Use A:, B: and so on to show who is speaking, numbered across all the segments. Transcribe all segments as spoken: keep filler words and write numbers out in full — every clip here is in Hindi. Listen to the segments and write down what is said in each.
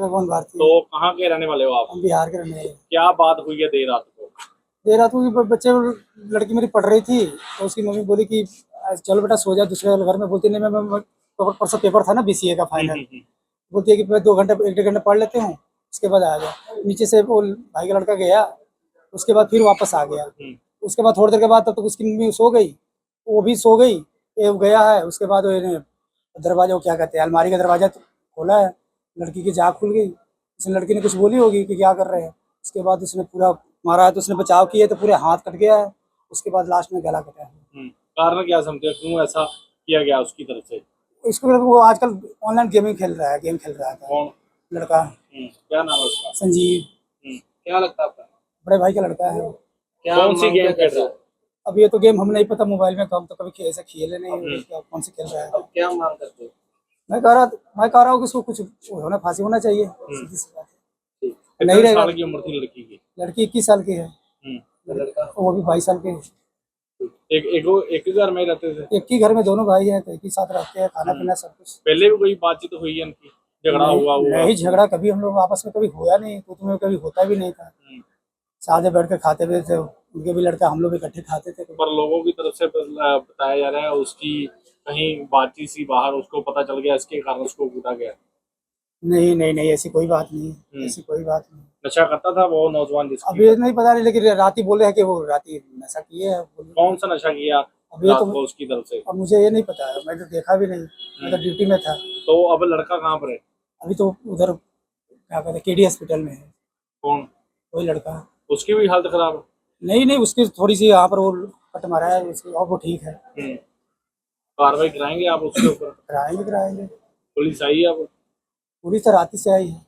A: भगवान भारती।
B: तो कहाँ के रहने वाले हो आप?
A: हम बिहार के रहने वाले।
B: क्या बात हुई है देर रात को?
A: देर रात को बच्चे, लड़की मेरी पढ़ रही थी तो उसकी मम्मी बोली कि चलो बेटा सो जा दूसरे वाले घर में। बोलती नहीं, मैं, मैं परसों पेपर था ना बीसीए का फाइनल। बोलती है कि मैं दो घंटे एक डेढ़ घंटे पढ़ लेते हूँ, उसके बाद आ गया। नीचे से वो भाई का लड़का गया, उसके बाद फिर वापस आ गया। उसके बाद थोड़ी देर के बाद तब तक उसकी मम्मी सो गई, वो भी सो गई, ये गया है। उसके बाद वो दरवाजा, वो क्या कहते हैं, अलमारी का दरवाजा खोला है, लड़की की जाग खुल गई। उसने, लड़की ने कुछ बोली होगी कि क्या कर रहे हैं। उसके बाद उसने पूरा मारा है, तो उसने बचाव किया तो पूरे हाथ कट गया है। उसके बाद लास्ट में गला कटा है।
B: कारण क्या समझते हो, क्यों ऐसा किया गया उसकी तरफ से?
A: इसको वो आजकल ऑनलाइन गेमिंग खेल रहा है, गेम खेल रहा था।
B: कौन
A: लड़का?
B: क्या नाम है उसका?
A: संजीव।
B: क्या लगता है आपका?
A: बड़े भाई का लड़का है।
B: क्या कौन सी गेम खेल रहा है?
A: अब ये तो गेम हमें नहीं पता, मोबाइल में हम तो कभी ऐसे खेले नहीं, कौन से खेल रहा है।
B: अब क्या मांग करते हो?
A: मैं कह रहा मैं कह रहा हूँ कि इसको कुछ होना, फांसी होना चाहिए, सीधी सी बात है। नहीं रहेगा।
B: साल की उम्र थी लड़की की?
A: लड़की इक्कीस साल की है,
B: लड़का
A: वो भी बाईस साल के।
B: एक एक एक ही घर में रहते थे?
A: एक ही घर में दोनों भाई हैं, तो एक ही साथ रहते हैं, खाना पीना सब कुछ।
B: पहले भी कोई बातचीत हुई है इनकी? झगड़ा हुआ हुआ?
A: नहीं, झगड़ा कभी हम लोग आपस में कभी हुआ नहीं, तो तुम्हें कभी होता भी नहीं था। साथ में बैठ कर खाते भी थे, उनके भी लड़का, हम लोग इकट्ठे खाते थे।
B: पर लोगों की तरफ से बताया जा रहा है उसकी कहीं बातचीत सी बाहर, उसको पता चल गया, इसके कारण उसको कूदा गया।
A: नहीं नहीं नहीं, ऐसी कोई बात नहीं, ऐसी कोई बात नहीं।
B: नशा करता था वो नौजवान जिसकी?
A: अभी नहीं पता नहीं, लेकिन रात ही बोले हैं कि वो रात ही नशा किए है।
B: कौन सा नशा किया
A: अभी
B: रात
A: तो
B: को उसकी तरफ से?
A: अब मुझे ये नहीं पता है, मैं तो देखा भी नहीं, मैं तो ड्यूटी में था।
B: तो अब लड़का कहाँ पर है?
A: अभी तो उधर क्या कहते हैं, केडी हॉस्पिटल में है।
B: कौन?
A: वही लड़का।
B: उसकी भी हालत खराब है?
A: नहीं नहीं, उसकी थोड़ी सी यहाँ पर वो कट मारा है उसकी, और वो ठीक है।
B: कार्रवाई कराएंगे आप उसके ऊपर?
A: कराएंगे कराएंगे।
B: पुलिस आई है अब?
A: पुलिस तो रात से आई है।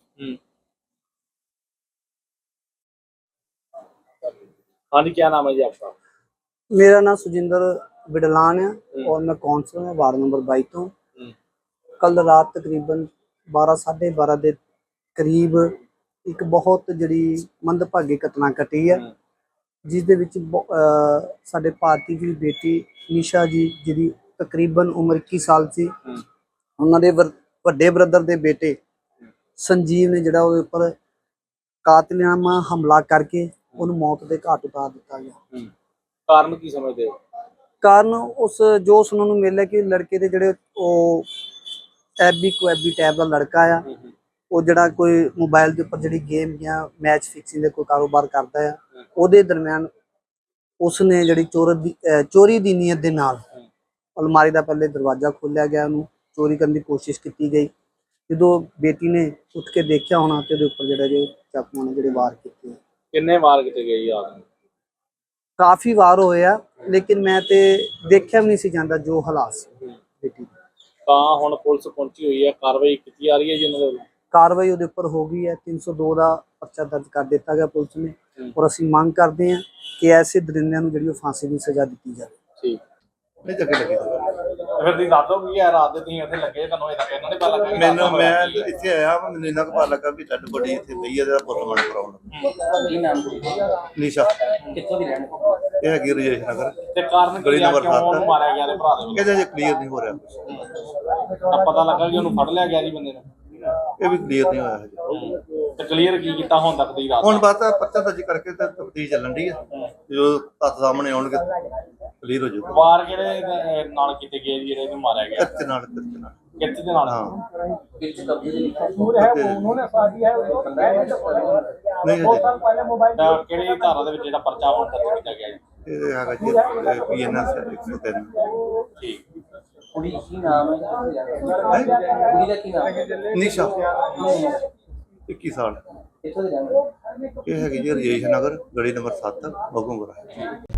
B: हाँ जी, क्या नाम है जी आपका?
C: मेरा नाम सुजिंदर बिडलान है और मैं कौंसलर हूँ वार्ड नंबर बाईस तो। कल रात तकरीबन बारह साढ़े बारह के करीब एक बहुत जी मंदभागी घटना घटी है, जिस दे विच साडे भारती की बेटी निशा जी जी तकरीबन उम्र इक्कीस साल सी, उन्होंने वड्डे ब्रदर के बेटे संजीव ने जिहड़ा उहदे उपर कातिलाना हमला करके उन्हें मौत के घाट उतार दिता गया।
B: कारण की समझते हो?
C: कारण उस जो सुनने को मिल है कि लड़के के जिहड़े एबी कोएबी टाइप का लड़का आ, वो जिहड़ा कोई मोबाइल के उपर जिहड़ी गेम या मैच फिक्सिंग का कोई कारोबार करता है, उहदे दरम्यान उसने जिहड़ी चोर दी चोरी की नीयत के नाल अलमारी का पहले दरवाजा खोलिया गया, उन्होंने चोरी करने की कोशिश की गई। जो बेटी ने उठ के देखा होना तो उहदे उपर जिहड़े जो चाकू ने जिहड़े वार किए।
B: किन्ने वार किए गए यार?
C: काफ़ी वार होए आ, लेकिन मैं तो देखा भी नहीं सी जांदा जो हालात सी बेटी।
B: ਤਾਂ ਹੁਣ ਪੁਲਿਸ ਪਹੁੰਚੀ ਹੋਈ ਹੈ, ਕਾਰਵਾਈ ਕੀਤੀ ਜਾ ਰਹੀ ਹੈ ਜੀ ਉਹਨਾਂ ਵੱਲੋਂ?
C: कार्रवाई उहदे उपर हो गई है, तीन सौ दो का परचा दर्ज कर दिता गया पुलिस ने, और असीं मांग करते हैं कि ऐसे दरिंदियां नूं जिहड़ी फांसी की सज़ा दी जाए।
B: ठीक
D: नहीं जगह लगी
B: फिर दी दादो की है रात ਦੇ ਤੁਸੀਂ ਇੱਥੇ ਲੱਗੇ, ਤੁਹਾਨੂੰ ਇਹ ਤਾਂ ਕਹਿੰਦਾ ਨਹੀਂ ਪਤਾ ਲੱਗਾ?
D: ਮੈਨੂੰ ਮੈਂ ਇੱਥੇ ਆਇਆ ਮੈਨੂੰ ਇੰਨਾ ਕੁ ਪਤਾ ਲੱਗਾ ਵੀ ਡੈਡ ਬੋਡੀ ਇੱਥੇ ਪਈ ਹੈ, ਜਿਹੜਾ ਪੋਸਟਮਾਰਟਮ ਕਰਾਉਣ।
B: ਕੀ ਨਾਮ ਸੀ?
D: ਨਿਸ਼ਾ।
B: ਕਿੱਥੋਂ ਦੀ ਰਹਿਣ ਵਾਲੀ?
D: ਇਹ ਹੈਗੀ ਰਜੇਸ਼ ਨਗਰ
B: ਤੇ ਕਾਰਨ ਕੀ
D: ਗਲੀ
B: ਆ
D: ਨੰਬਰ
B: ਕਿਉਂ ਉਹਨੂੰ
D: ਸੱਤ।
B: ਮਾਰਿਆ ਗਿਆ ਤੇ ਭਰਾ ਦੇ ਵੱਲੋਂ?
D: ਇਹਦੇ ਜੇ ਕਲੀਅਰ ਨਹੀਂ ਹੋ ਰਿਹਾ ਕੁਛ।
B: ਤਾਂ ਪਤਾ ਲੱਗਾ ਕਿ ਉਹਨੂੰ ਫੜ ਲਿਆ ਗਿਆ ਜੀ ਬੰਦੇ ਨੂੰ?
D: ਇਹ ਵੀ ਕਲੀਅਰ ਨਹੀਂ ਹੋਇਆ ਹਜੇ।
B: ਤੇ ਕਲੀਅਰ ਕੀ ਕੀਤਾ ਹੁਣ ਤੱਕ ਦੀ ਰਾਤ?
D: ਹੁਣ ਬਸ ਪਰਚਾ ਦਰਜ ਕਰਕੇ ਤੇ ਤਫਤੀਸ਼ ਚੱਲਣ ਦੀ ਹੈ, ਜੋ ਤੱਥ ਸਾਹਮਣੇ ਆਉਣਗੇ ਕਲੀਅਰ ਹੋ ਜਾਊਗਾ।
B: ਵਾਰ ਕਿਹੜੇ ਦੇ ਨਾਲ ਕੀਤੇ ਗਏ ਜੀ ਜਿਹੜੇ ਇਹਨੂੰ ਮਾਰਿਆ ਗਿਆ?
D: ਕਿਰਚ ਨਾਲ ਕਿਰਚ ਨਾਲ
B: ਕਿੱਥੇ ਦੇ ਨਾਲ?
D: ਹਾਂ
B: ਕਿੱਥੇ ਕਬਜ਼ੇ ਦੇ ਲਿਖਿਆ
A: उन्होंने शादी है
D: ਨਹੀਂ ਹਜੇ
A: पहले मोबाइल
B: ਤਾਂ ਕਿਹੜੀ ਧਾਰਾ ਦੇ ਵਿੱਚ ਜਿਹੜਾ ਪਰਚਾ ਹੁਣ ਦਰਜ ਕੀਤਾ ਗਿਆ ਜੀ?
D: ਇਹ ਹੈਗਾ ਜੀ ਪੀ ਐਨ ਐਸ ਇੱਕ ਸੌ ਤਿੰਨ।
B: ਠੀਕ।
E: ਕੁੜੀ ਕੀ ਨਾਮ ਹੈ? ਕੁੜੀ ਦਾ ਕੀ ਨਾਮ ਹੈ?
D: ਨਿਸ਼ਾ ਇੱਕੀ ਸਾਲ।
E: ਕਿੱਥੋਂ ਦੀ ਰਹਿਣ ਵਾਲੀ?
D: ਇਹ ਹੈਗੀ ਜੀ ਰਜੇਸ਼ ਨਗਰ ਗਲੀ ਨੰਬਰ ਸੱਤ ਬਗੂੰਗਰਾ।